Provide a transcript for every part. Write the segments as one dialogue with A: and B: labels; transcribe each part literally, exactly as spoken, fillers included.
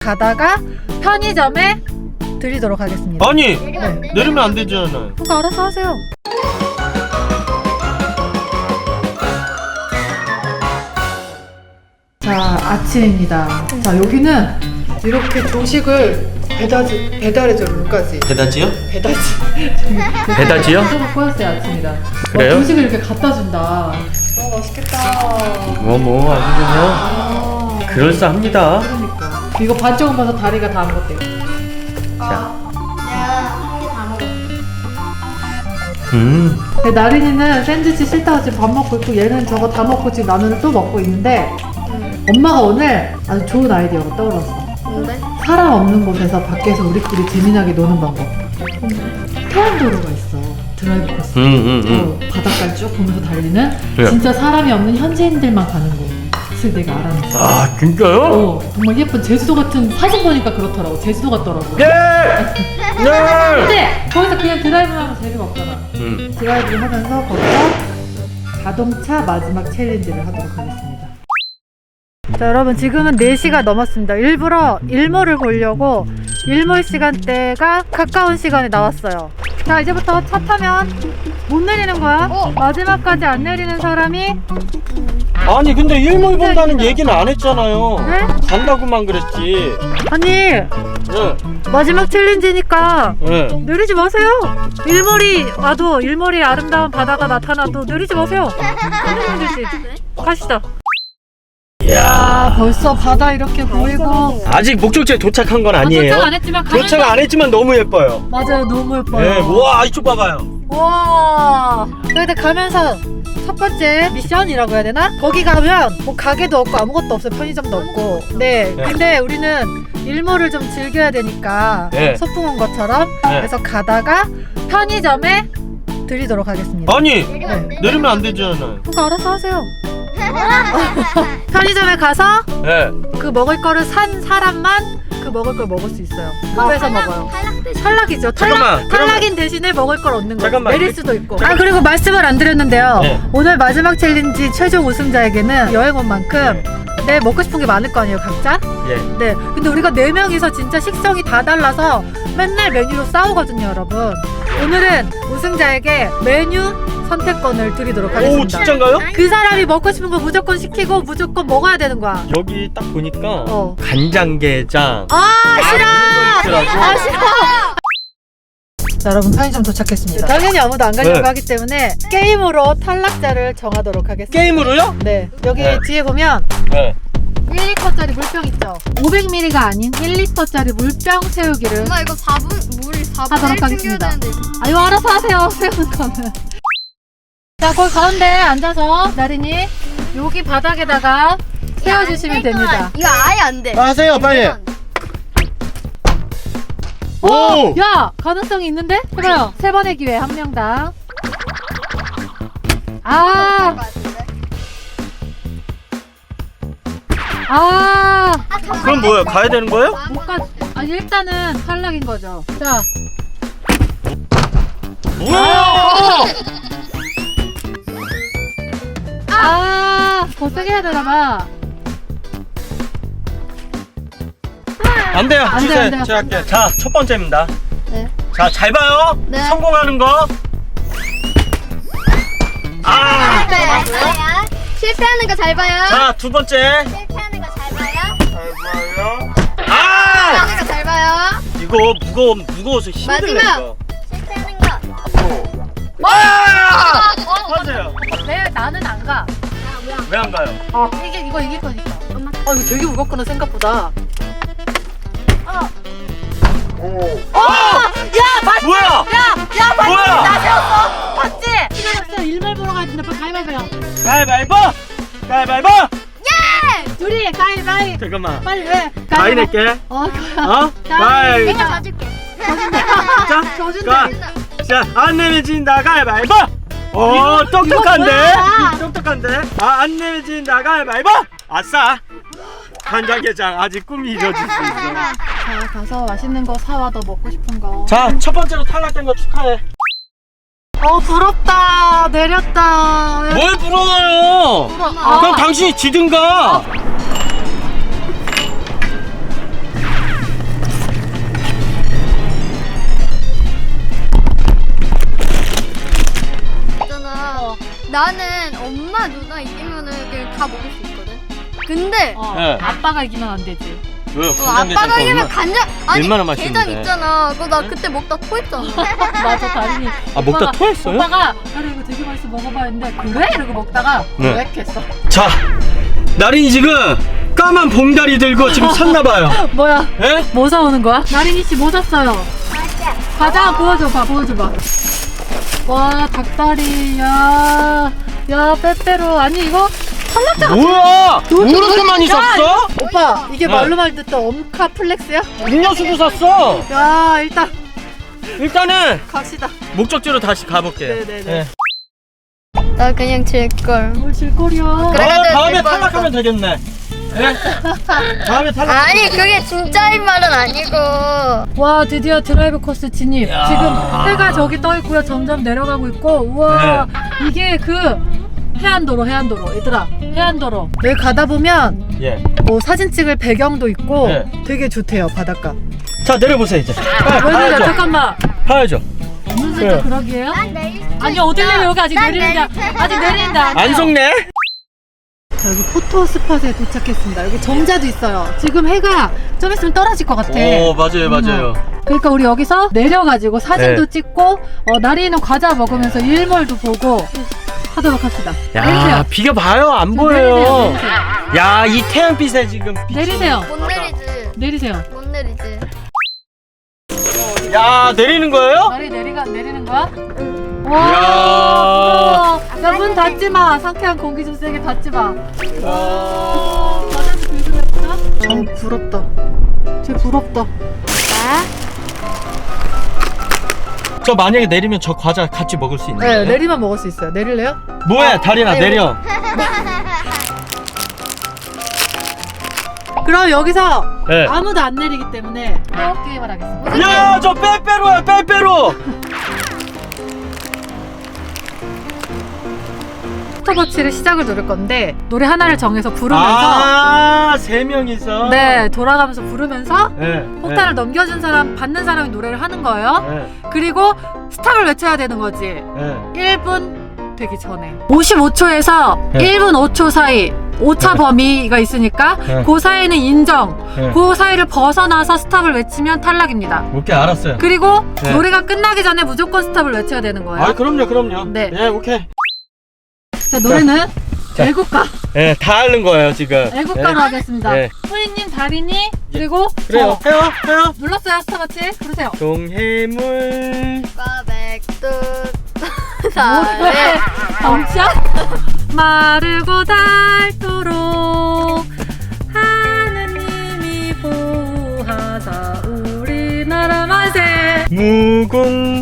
A: 가다가 편의점에 드리도록 하겠습니다.
B: 아니
A: 네.
B: 내리면 안 되잖아요.
A: 그거 알아서 하세요. 자, 아침입니다. 자, 여기는 이렇게 조식을 배달지, 배달해줘요, 여기까지.
B: 배다지요?
A: 배달지.
B: 배다지요?
A: 저거 꼬였어요, 아침이다.
B: 그래요?
A: 와, 조식을 이렇게 갖다 준다. 와, 맛있겠다.
B: 뭐뭐 아주 그냥
A: 아,
B: 그럴싸합니다.
A: 그러니까. 이거 반쪽은 봐서 다리가 다 먹었대요.
B: 자,
C: 다 먹어.
B: 음,
A: 근데 나린이는 샌드위치 싫다고 지금 밥 먹고 있고, 얘는 저거 다 먹고 지금 라면을 또 먹고 있는데, 엄마가 오늘 아주 좋은 아이디어가 떠올랐어.
C: 뭔데?
A: 사람 없는 곳에서 밖에서 우리끼리 재미나게 노는 방법. 태안도로가 있어. 드라이브 코스.
B: 음, 음, 음.
A: 어, 바닷가를 쭉 보면서 달리는
B: 네.
A: 진짜 사람이 없는 현지인들만 가는 곳. 그래서 내가 알아냈어.
B: 아 진짜요?
A: 어, 정말 예쁜 제주도 같은 사진 보니까 그렇더라고. 제주도 같더라고.
B: 네, 네.
A: 근데 거기서 그냥 드라이브만 하면 재미가 없잖아.
B: 음,
A: 드라이브를 하면서 거기서 자동차 마지막 챌린지를 하도록 하겠습니다. 자, 여러분 지금은 네 시가 넘었습니다. 일부러 일몰을 보려고 일몰 시간대가 가까운 시간에 나왔어요. 자, 이제부터 차 타면 못 내리는 거야.
C: 어.
A: 마지막까지 안 내리는 사람이
B: 아니 근데 일몰 본다는 얘기는 안 했잖아요.
A: 네?
B: 간다고만 그랬지.
A: 아니
B: 네,
A: 마지막 챌린지니까
B: 네.
A: 내리지 마세요. 일몰이 와도 일몰이 아름다운 바다가 나타나도 내리지 마세요. 내리면 되지. 가시다. 야, 벌써 바다 이렇게 보이고
B: 아직 목적지에 도착한 건 아니에요.
A: 도착 안 했지만 가는
B: 도착 안 했지만 너무 예뻐요.
A: 맞아요, 너무 예뻐요.
B: 네, 와 이쪽 봐봐요.
A: 와, 근데 가면서 첫 번째 미션이라고 해야 되나? 거기 가면 뭐 가게도 없고 아무것도 없어요. 편의점도 없고. 네,
B: 네.
A: 근데 우리는 일몰을 좀 즐겨야 되니까
B: 네.
A: 소풍 온 것처럼
B: 네.
A: 그래서 가다가 편의점에 드리도록 하겠습니다.
B: 아니
C: 내리면 안 돼?
B: 내리면 안 되잖아요.
A: 그거 알아서 하세요. 편의점에 가서
B: 네.
A: 그 먹을 거를 산 사람만 그 먹을 걸 먹을 수 있어요. 급해서 먹어요.
C: 탈락 대신.
A: 탈락이죠.
B: 잠깐만,
A: 탈락,
B: 그러면-
A: 탈락인 대신에 먹을 걸 얻는 거예요.
B: 잠깐만,
A: 내릴
B: 그-
A: 수도 있고.
B: 잠깐만.
A: 아, 그리고 말씀을 안 드렸는데요.
B: 네.
A: 오늘 마지막 챌린지 최종 우승자에게는 여행 온 만큼 네, 먹고 싶은 게 많을 거 아니에요, 각자?
B: 예.
A: 네. 근데 우리가 네 명이서 진짜 식성이 다 달라서 맨날 메뉴로 싸우거든요, 여러분. 오늘은 우승자에게 메뉴 선택권을 드리도록 하겠습니다.
B: 오 진짠가요?
A: 그 사람이 먹고 싶은 거 무조건 시키고 무조건 먹어야 되는 거야.
B: 여기 딱 보니까
A: 어.
B: 간장게장.
A: 아, 싫어!
B: 있더라고.
A: 아, 싫어! 자, 여러분 편의점 도착했습니다. 당연히 아무도 안 가려고
B: 네.
A: 하기 때문에 게임으로 탈락자를 정하도록 하겠습니다.
B: 게임으로요?
A: 네, 여기
B: 네.
A: 뒤에 보면
B: 네.
A: 일 리터짜리 물병 있죠? 오백 밀리리터가 아닌 일 리터짜리 물병 채우기를
C: 엄마 이거 사 분 물 사 분
A: 하도록 하겠습니다. 아, 이거 알아서 하세요, 세우는 거는. 자, 거기 가운데 앉아서 나린이 여기 바닥에다가 세워주시면 됩니다.
C: 이거 아예 안 돼.
B: 하세요 빨리. 오!
A: 야! 가능성이 있는데? 해봐요. 세 번의 기회, 한 명당. 아! 아!
B: 그럼 뭐예요? 가야 되는 거예요?
A: 못 가. 아, 일단은 탈락인 거죠. 자,
B: 뭐야?
A: 아! 더 세게 해야 되나봐.
B: 안 돼요.
A: 안 돼요,
B: 주세요.
A: 안 돼요.
B: 제가 할게요. 자, 첫 번째입니다.
C: 네.
B: 자, 잘 봐요.
C: 네.
B: 성공하는 거. 아!
C: 잘 봐요. 실패하는 거 잘 봐요.
B: 자, 두 번째.
C: 실패하는 거 잘 봐요.
B: 잘 봐요. 아!
C: 실패하는 거 잘 봐요.
B: 이거 무거워 무거워서 힘들네
C: 마지막.
B: 이거.
C: 실패하는 거.
B: 아! 하세요.
A: 왜 나는 안 가?
B: 왜 안 가요?
A: 아, 이게 이거 이길 거니까. 아, 이거 되게 무겁구나 생각보다. 어! 야, 맞지?
B: 뭐야?
A: 야, 야, 맞지?
B: 뭐야?
A: 나 세웠어. 맞지? 시간 일몰 보러 가야 된다. 빨리 가위바위보.
B: 가위바위보! 가위바위보!
A: 둘이 가위바위.
B: 잠깐만.
A: 빨리 왜?
B: 가위 낼게.
A: 어,
B: 어? 가위.
C: 내가 봐줄게.
B: 자,
A: 져준대.
B: 가. 자, 안 내면 진다. 가위바위보! 어,
A: 이거
B: 똑똑한데?
A: 뭐야?
B: 똑똑한데? 아, 안 내면 진다. 가위바위보! 아싸! 간장게장 아직 꿈이 이뤄질 수 있어.
A: 자, 가서 맛있는 거 사와. 너 먹고 싶은 거.
B: 자, 첫 번째로 탈락된 거 축하해.
A: 어, 부럽다. 내렸다.
B: 뭘 부러워요?
A: 부러-
B: 그럼
A: 아.
B: 당신이 지든가.
C: 나는 엄마 누나 이기면은 그냥 다 먹을 수 있거든. 근데 어,
A: 어,
B: 네.
A: 아빠가 이기면 안 되지.
B: 왜요?
C: 아빠가 이기면 간장 아니
B: 얼마나
C: 게장
B: 맛있는데.
C: 있잖아. 그거 나 그때 먹다 토했잖아.
A: 맞아, 다린이.
B: 아, 먹다
A: 오빠가-
B: 토했어요?
A: 오빠가 다리 이거 되게 맛있어 먹어봐 했는데 그래? 이러고 먹다가
B: 네.
A: 왜 했어?
B: 자, 나린이 지금 까만 봉다리 들고 지금 샀나봐요.
A: 뭐야?
B: 예?
A: 뭐 사오는 거야? 나린이 씨 뭐 샀어요? 과자 보여줘봐, 보여줘봐. 와, 닭다리, 야, 야, 빼빼로. 아니 이거 탈락자가.
B: 뭐야? 뭐 이렇게 많이 샀어?
A: 오빠, 이게
B: 네.
A: 말로 말 듣던 엄카 플렉스야?
B: 음료수도 샀어.
A: 야, 일단
B: 일단은
A: 갑시다.
B: 목적지로 다시 가볼게요.
A: 네네네.
C: 나 그냥 질 걸.
A: 뭘 질거리야?
C: 그래.
B: 아,
C: 그래도
B: 다음에
C: 될 거니까.
B: 탈락하면 되겠네. 예? 다음에 탈락.
C: 아니 그게 진짜인 말은 아니고.
A: 와, 드디어 드라이브 코스 진입.
B: 야.
A: 지금 해가 저기 떠 있고요. 점점 내려가고 있고. 우와, 이게 그 해안도로, 해안도로. 얘들아, 해안도로. 여기 가다 보면
B: 예.
A: 뭐 사진 찍을 배경도 있고
B: 네.
A: 되게 좋대요, 바닷가.
B: 자, 내려보세요 이제.
A: 왜 그래?
B: 가야죠.
A: 잠깐만.
B: 가야죠.
A: 무슨
B: 그래.
A: 살짝 그러기에요?
C: 난 내릴 수
A: 아니 어딜 내려? 여기 아직 내리는데 아직 내리는데 안
B: 안
A: 돼요.
B: 속네?
A: 자, 여기 포토 스팟에 도착했습니다. 여기 정자도 있어요. 지금 해가 좀 있으면 떨어질 것 같아.
B: 오, 맞아요, 맞아요.
A: 음. 그러니까 우리 여기서 내려가지고 사진도
B: 네.
A: 찍고 어, 나리는 과자 먹으면서 일몰도 보고 하도록 합시다.
B: 야,
A: 내리세요.
B: 비가 봐요. 안
A: 지금
B: 보여요.
A: 내리세요. 내리세요.
B: 야, 이 태양빛에 지금 빛이-
A: 내리세요.
C: 못 내리지.
A: 내리세요.
C: 못 내리지.
B: 야, 내리는 거예요?
A: 나리 내리가 내리는 거야?
B: 이야.
A: 와, 야문 닫지 마. 상쾌한 공기 좀 세게 닫지 마. 와, 과자도 들고 있어? 어, 부럽다. 쟤 부럽다.
B: 저 만약에 내리면 저 과자 같이 먹을 수 있나요?
A: 네, 내리만 먹을 수 있어요. 내릴래요?
B: 뭐야, 다리나
A: 아니,
B: 내려.
A: 그럼 여기서
B: 네.
A: 아무도 안 내리기 때문에 또 게임을 하겠습니다.
B: 야, 저 빼빼로야, 빼빼로.
A: 스톱워치를 시작을 누를 건데 노래 하나를 정해서 부르면서
B: 아, 세 명이서.
A: 네, 돌아가면서 부르면서
B: 네.
A: 폭탄을 넘겨준 사람, 받는 사람이 노래를 하는 거예요.
B: 네.
A: 그리고 스탑을 외쳐야 되는 거지.
B: 네.
A: 일 분 되기 전에 오십오 초에서
B: 네.
A: 일 분 오 초 사이 오차 범위가 있으니까
B: 네.
A: 그 사이는 인정.
B: 네.
A: 그 사이를 벗어나서 스탑을 외치면 탈락입니다.
B: 오케이, 알았어요.
A: 그리고
B: 네.
A: 노래가 끝나기 전에 무조건 스탑을 외쳐야 되는 거예요.
B: 아, 그럼요, 그럼요.
A: 네.
B: 예, 오케이.
A: 자, 노래는
B: 자.
A: 애국가.
B: 예, 다 하는 거예요, 지금.
A: 애국가로
B: 예.
A: 하겠습니다.
B: 네.
A: 후이님, 다리니, 그리고
B: 그래요.
A: 저.
B: 해요, 해요.
A: 눌렀어요, 스탑워치? 부르세요.
B: 동해물.
C: 꽈백두
A: 뭐래? 덩치야? 마르고 닳도록 하느님이 보호하사 우리나라 만세.
B: 무궁.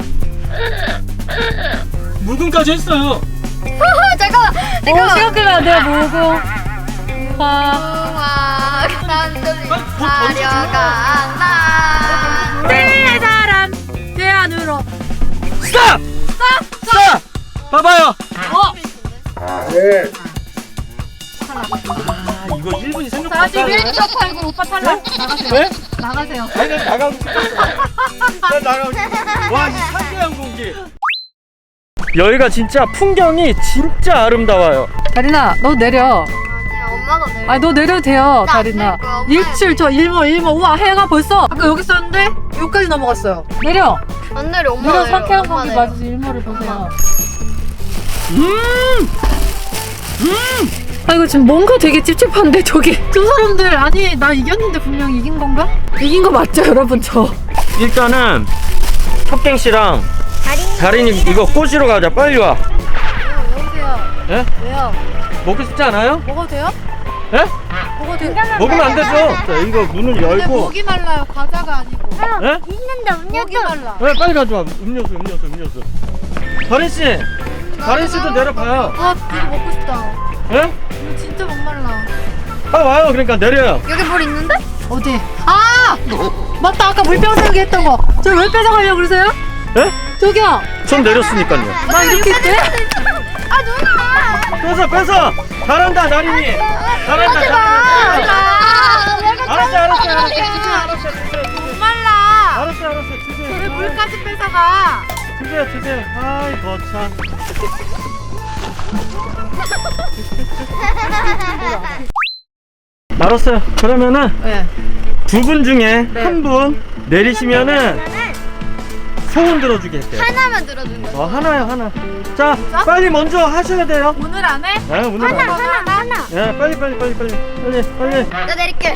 B: 무궁까지 했어요.
C: 잠깐만.
A: 어,
C: 잠깐만.
A: 시간 끌면 안 돼요, 모으고. 화.
C: 우와 산들이
B: 뭐
C: 사려간다.
A: 내 사람 대안으로.
B: 스탑!
A: 스탑!
B: 스탑! 봐봐요.
A: 어!
B: 네. 아, 이거 일 분이 생각보다
A: 사십일 초 팔구 오빠 탈락. 나가세요.
B: 네?
A: 나가세요.
B: 아니, 난 나가고 싶었어. 난 나가고 싶었어. 와, 이 상쾌한 공기. 여기가 진짜 풍경이 진짜 아름다워요.
A: 다리나, 너 내려.
C: 아니야 엄마가 내려.
A: 아니, 너 내려도 돼요,
C: 나안
A: 다리나.
C: 내릴 거야, 엄마야.
A: 일출, 저 일몰, 일몰. 우와, 해가 벌써. 아까 여기 있었는데, 여기까지 넘어갔어요. 내려.
C: 안 내려 엄마
A: 내려,
C: 내려.
A: 상쾌한
C: 엄마
A: 공기
C: 내려.
A: 맞아서 일몰을 보세요.
B: 음!
A: 아, 이거 지금 뭔가 되게 찝찝한데, 저기. 저 사람들, 아니, 나 이겼는데 분명히 이긴 건가? 이긴 거 맞죠, 여러분, 저?
B: 일단은 탑갱 씨랑 다린이 이거 꼬시러 가자. 빨리 와.
A: 여보세요.
B: 예?
A: 왜요?
B: 먹고 싶지 않아요?
A: 먹어도 돼요?
B: 예?
A: 먹어도 돼요?
B: 먹으면 안 되죠. 자, 이거 문을
A: 근데
B: 열고.
A: 목이 말라요, 과자가 아니고.
B: 예?
C: 있는데
A: 목이 말라.
B: 네, 빨리 가져와. 음료수, 음료수, 음료수. 다린 씨, 다린 씨도 내려봐요.
A: 아, 이거 먹고 싶다.
B: 예?
A: 이거 진짜 목말라.
B: 아, 와요. 그러니까 내려요.
C: 여기 물 있는데?
A: 어디? 아! 맞다, 아까 물병 세우기 했던 거. 저 왜 뺏어가려고 그러세요?
B: 예?
A: 저기요.
B: 전 내렸으니까요.
A: 나 이렇게 있대?
C: 아 누나.
B: 뺏어, 뺏어. 잘한다, 나린이. 잘한다,
C: 하지
B: 잘한다.
C: 마. 내가
B: 알았어, 알았어, 알았어.
C: 야.
B: 주세요, 알았어, 주세요.
A: 목말라.
B: 알았어, 알았어. 주세요.
A: 왜 물까지 뺏어가?
B: 주세요, 주세요. 아이, 거참. 알았어요. 그러면은
A: 네.
B: 두 분 중에
A: 네.
B: 한 분 내리시면은 소원 들어주게 할게요.
C: 하나만 들어준 거야.
B: 어, 하나요, 하나. 자, 빨리 먼저 하셔야 돼요.
A: 오늘 안에?
B: 네, 오늘 안 해.
C: 하나 하나.
B: 네, 빨리, 빨리, 빨리, 빨리, 빨리, 빨리.
C: 나 내릴게.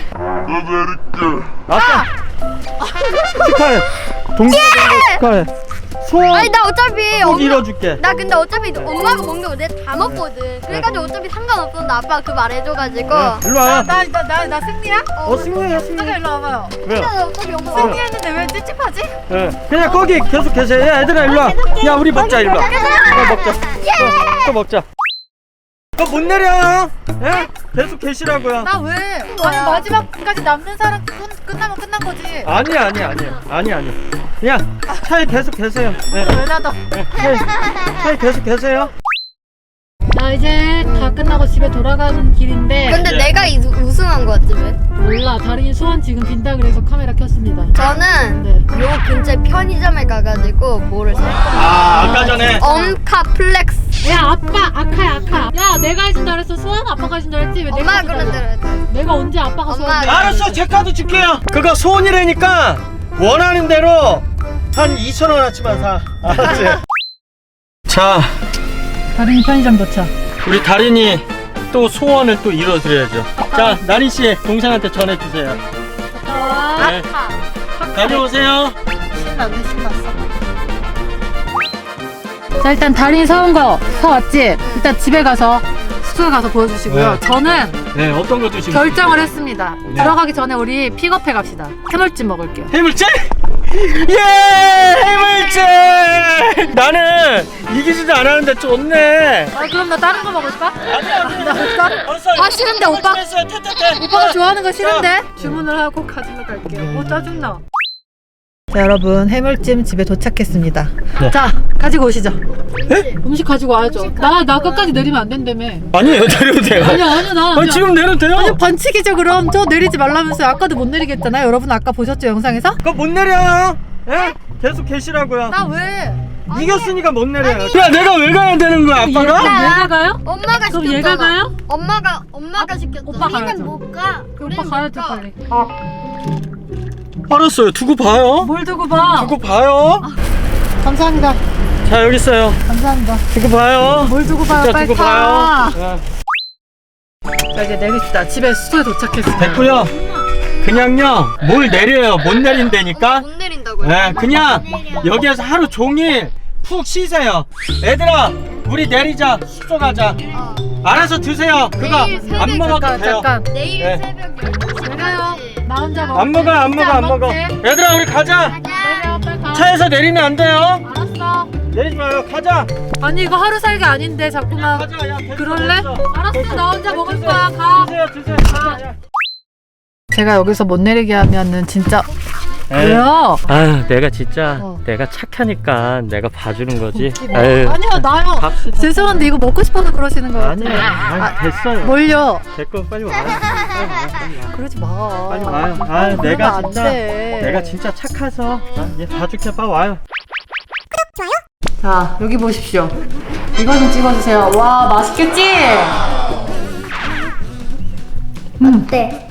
B: 아싸! 축하해. 동기가 된거 축하해. 소원
C: 아니 나 어차피
B: 꼭
C: 엄마,
B: 이뤄줄게.
C: 나 근데 어차피 엄마가 먹는 거 내가 다 먹거든. 그래가지고 어차피 상관없었는데 아빠가 그 말 해줘가지고.
B: 네, 일로 와요.
A: 나, 나, 나, 나 승리야?
B: 어, 승리야, 승리.
A: 승리 일로 와봐요.
B: 왜요?
C: 나 어차피 엄마.
A: 승리 했는데 왜 찝찝하지?
B: 네. 그냥 거기 계속 계세요. 야, 얘들아, 일로 와. 야, 우리 먹자, 일로 와. 어, 먹자. 또, 또 먹자. 또 못 내려. 예? 계속 계시라고요.
A: 나 왜? 아니 마지막까지 남는 사람 끝, 끝나면 끝난 거지.
B: 아니, 아니, 아니. 아니, 아니. 그냥 차에 계속 계세요. 네.
A: 왜 닫아?
B: 네. 차에, 차에 계속 계세요.
A: 나 이제 다 끝나고 집에 돌아가는 길인데
C: 근데
B: 네.
C: 내가 이, 우승한 거 같지 왜?
A: 몰라. 다린이 소원 지금 빈다 그래서 카메라 켰습니다.
C: 저는
A: 네.
C: 요 근처 편의점에 가가지고 뭐를 살 겁니다.
B: 아, 아까 전에.
C: 엄카 플렉스.
A: 야 아빠 아카야 아카. 야 내가 해준다 그랬어. 소원 아빠가 해준다 그랬지. 왜 내가
C: 엄마가
A: 해준다
C: 그런
A: 그랬어?
C: 대로 했다.
A: 내가 언제 아빠가 소원?
C: 엄마가
B: 알았어, 제 카드 줄게요. 그거 소원이라니까 원하는 대로 한 이천 원어치만 사. 알았지? 자,
A: 다린이 편의점 도착.
B: 우리 다린이 또 소원을 또 이뤄드려야죠. 자, 나린 씨 동생한테 전해주세요.
A: 아,
B: 네. 다녀오세요.
A: 신나네 신났어. 자 일단 다린이 사온 거 사왔지? 일단 집에 가서 숙소에 가서 보여주시고요.
B: 네.
A: 저는
B: 네, 어떤 거 드시고
A: 결정을 했습니다.
B: 네.
A: 들어가기 전에 우리 픽업해 갑시다. 해물찜 먹을게요.
B: 해물찜? 예! 해물찜! 나는 이기지도 않았는데 좋네.
A: 아 그럼 나 다른 거 먹을까?
B: 아니야, 아니야.
A: 먹을까?
B: 벌써
A: 아 싫은데 오빠?
B: 했어요. 퇴퇴퇴.
A: 오빠가 좋아하는 거 싫은데? 주문을 하고 가지러 갈게요. 어 짜증나. 자 여러분 해물찜 집에 도착했습니다.
B: 네.
A: 자 가지고 오시죠. 음식 가지고 와야죠. 나 나 끝까지 내리면 안 된다며.
B: 아니에요, 내려도 돼요.
A: 아니야 아니야 나.
B: 아니, 지금 내려도 돼요?
A: 아니 반칙이죠 그럼. 저 내리지 말라면서요. 아까도 못 내리게 했잖아요. 여러분 아까 보셨죠 영상에서?
B: 그거 못 내려요. 예? 계속 계시라고요.
A: 나 왜?
B: 이겼으니까 못 내려요. 야, 내가 왜 가야 되는 거야,
A: 얘,
B: 아빠가?
A: 그럼 얘가 가요?
C: 엄마가
A: 그럼
C: 시켰잖아.
A: 얘가 가요?
C: 엄마가 엄마가 시켰잖아.
A: 오빠 가야죠.
C: 우리는 못 가.
A: 그럼
C: 우리는
A: 오빠
C: 못
A: 가야죠
C: 가.
A: 빨리.
B: 알았어요. 두고 봐요.
A: 뭘 두고 봐?
B: 두고 봐요.
A: 감사합니다.
B: 자, 여기 있어요.
A: 감사합니다.
B: 두고 봐요.
A: 뭘 두고 봐요?
B: 진짜
A: 빨리
B: 두고
A: 가.
B: 봐요.
A: 자 이제 내립시다. 집에 숙소에 도착했습니다.
B: 네. 됐고요. 그냥요, 뭘 내려요. 못 내린다니까.
C: 못 내린다고요?
B: 네, 그냥 여기에서 하루 종일 푹 쉬세요. 얘들아, 우리 내리자. 숙소 가자.
C: 어.
B: 알아서 드세요. 그거
C: 내일 새벽
B: 안 먹어도
A: 잠깐
B: 돼요.
A: 잠깐.
C: 내일
B: 네.
C: 새벽 열두 시
A: 내가요. 나 혼자 먹어.
B: 안 먹어, 안 먹어, 안 먹어. 얘들아, 우리 가자.
A: 내려 빨리 가.
B: 차에서 내리면 안 돼요.
A: 알았어.
B: 내리지 마요. 가자.
A: 아니 이거 하루 살기 아닌데 자꾸만.
B: 가자. 야, 됐어,
A: 그럴래?
B: 됐어.
A: 알았어 나 혼자 먹을
B: 드세요.
A: 거야. 가.
B: 드세요, 드세요.
A: 가. 제가 여기서 못 내리게 하면은 진짜
B: 에이.
A: 왜요?
B: 아유, 내가 진짜
A: 어.
B: 내가 착하니까 내가 봐주는 거지.
A: 웃기네.
B: 에휴.
A: 아니요 나요.
B: 갑시다.
A: 죄송한데 이거 먹고 싶어서 그러시는 거예요.
B: 아니에요. 아니, 됐어요.
A: 뭘요?
B: 됐고 빨리 와요. 빨리 와요. 빨리 와요.
A: 그러지 마.
B: 빨리 와요. 아,
A: 그러면
B: 내가
A: 안
B: 진짜
A: 돼.
B: 내가 진짜 착해서 아, 얘 봐줄게. 빨리 와요.
A: 자 여기 보십시오. 이거 좀 찍어주세요. 와 맛있겠지? 음
C: 네.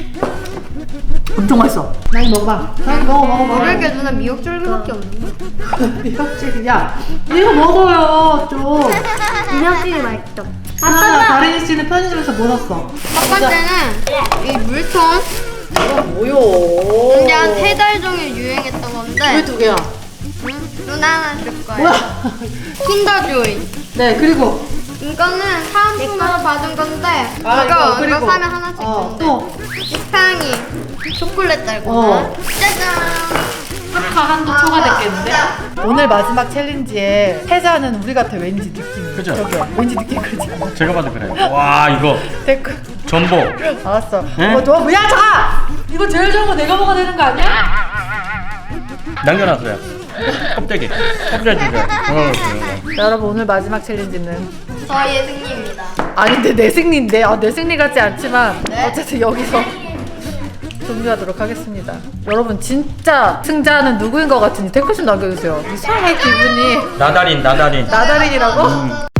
A: 엄청 맛있어. 많이 먹어봐. 많이 먹어 먹어 먹어.
C: 먹을 게 누나 미역줄기밖에 없는데.
A: 미역줄기 야 이거 먹어요 좀.
C: 미역줄기 맛있어.
A: 아 다린이 씨는 편의점에서 뭐 샀어?
C: 첫 번째는 이 물통.
A: 이거 뭐요?
C: 이게 한 세 달 종일 유행했던 건데.
A: 왜 두 개야?
C: 응? 누나 하나 줄 거야.
A: 뭐야?
C: 킨더조이.
A: 네 그리고
C: 이거는 사은품으로 받은 건데.
A: 아,
C: 이거
A: 이거, 그리고.
C: 이거 사면 하나씩
A: 어,
C: 주는데.
A: 또
C: 지팡이 초콜릿 달고.
A: 어.
C: 짜잔.
A: 하카 한도 초과됐겠는데? 오늘 마지막 챌린지에 패자는 우리 같아 왠지 느낌이.
B: 그죠?
A: 저기요. 왠지 느낌 그러지 않아?
B: 제가 봐도 그래요. 와, 이거
A: 댓글.
B: 전복.
A: 알았어.
B: 네?
A: 이거 너 뭐야 자! 이거 제일 좋은 거 내가 먹어야 되는 거 아니야?
B: 남겨놨어요. 껍데기. 껍데기 주세요. 어,
A: 자, 여러분 오늘 마지막 챌린지는
C: 저희의 승리입니다.
A: 아닌데 내 승리인데 아, 내 승리 같지 않지만
C: 네.
A: 어쨌든 여기서 종료하도록 하겠습니다. 여러분 진짜 승자는 누구인 것 같은지 댓글 좀 남겨주세요. 이상해 기분이.
B: 나다린, 나다린.
A: 나다린이라고?